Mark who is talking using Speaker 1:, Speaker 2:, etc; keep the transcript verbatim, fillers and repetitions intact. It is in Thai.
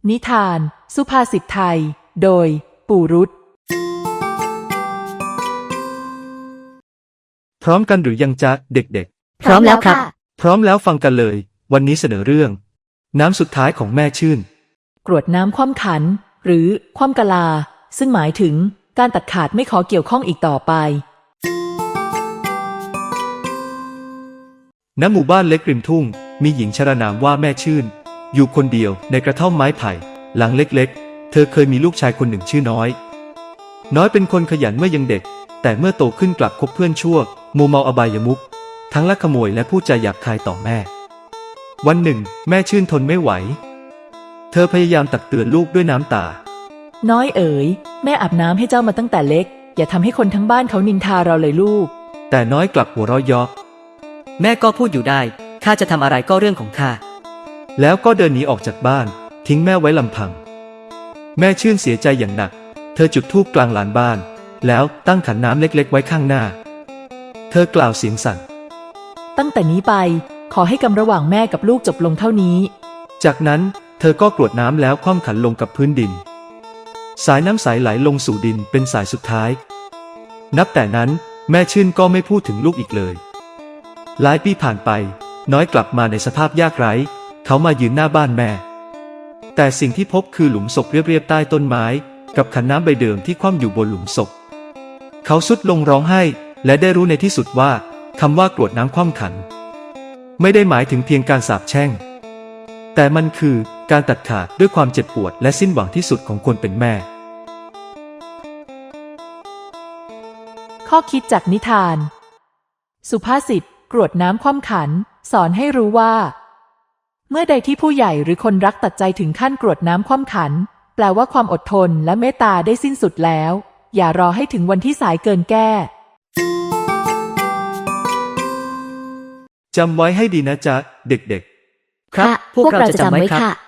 Speaker 1: นิทานสุภาษิตไทยโดยปู่รุต
Speaker 2: พร้อมกันหรือยังจ๊ะเด็กๆ
Speaker 3: พร้อมแล้วครับ
Speaker 2: พร้อมแล้วฟังกันเลยวันนี้เสนอเรื่องน้ำสุดท้ายของแม่ชื่น
Speaker 1: กรวดน้ำคว่ำขันหรือคว่ำกะลาซึ่งหมายถึงการตัดขาดไม่ขอเกี่ยวข้องอีกต่อไป
Speaker 2: ณหมู่บ้านเล็กริมทุ่งมีหญิงชรานามว่าแม่ชื่นอยู่คนเดียวในกระท่อมไม้ไผ่หลังเล็กๆเธอเคยมีลูกชายคนหนึ่งชื่อน้อยน้อยเป็นคนขยันเมื่อยังเด็กแต่เมื่อโตขึ้นกลับคบเพื่อนชั่วมัวเมาอบายมุขทั้งลักขโมยและพูดจาหยาบคายต่อแม่วันหนึ่งแม่ชื่นทนไม่ไหวเธอพยายามตักเตือนลูกด้วยน้ำตา
Speaker 1: น้อยเอ๋ยแม่อาบน้ำให้เจ้ามาตั้งแต่เล็กอย่าทำให้คนทั้งบ้านเขานินทาเราเลยลูก
Speaker 2: แต่น้อยกลับหัวเราะเยาะ
Speaker 3: แม่ก็พูดอยู่ได้ข้าจะทำอะไรก็เรื่องของข้า
Speaker 2: แล้วก็เดินหนีออกจากบ้านทิ้งแม่ไว้ลำพังแม่ชื่นเสียใจอย่างหนักเธอจุดธูปกลางลานบ้านแล้วตั้งขันน้ำเล็กๆไว้ข้างหน้าเธอกล่าวเสียงสั่น
Speaker 1: ตั้งแต่นี้ไปขอให้กรรมระหว่างแม่กับลูกจบลงเท่านี้
Speaker 2: จากนั้นเธอก็กรวดน้ำแล้วคว่ำขันลงกับพื้นดินสายน้ำใสไหลลงสู่ดินเป็นสายสุดท้ายนับแต่นั้นแม่ชื่นก็ไม่พูดถึงลูกอีกเลยหลายปีผ่านไปน้อยกลับมาในสภาพยากไร้เขามายืนหน้าบ้านแม่แต่สิ่งที่พบคือหลุมศพเรียบๆใต้ต้นไม้กับขันน้ำใบเดิมที่คว่ำอยู่บนหลุมศพเขาสุดลงร้องไห้และได้รู้ในที่สุดว่าคำว่ากรวดน้ำคว่ำขันไม่ได้หมายถึงเพียงการสาปแช่งแต่มันคือการตัดขาดด้วยความเจ็บปวดและสิ้นหวังที่สุดของคนเป็นแม่
Speaker 1: ข้อคิดจากนิทานสุภาษิตกรวดน้ำคว่ำขันสอนให้รู้ว่าเมื่อใดที่ผู้ใหญ่หรือคนรักตัดใจถึงขั้นกรวดน้ำคว่ำขันแปลว่าความอดทนและเมตตาได้สิ้นสุดแล้วอย่ารอให้ถึงวันที่สายเกินแก้
Speaker 2: จำไว้ให้ดีนะจ๊ะเด็กๆ
Speaker 3: ครับพวกเราจะจำไว้ค่ะ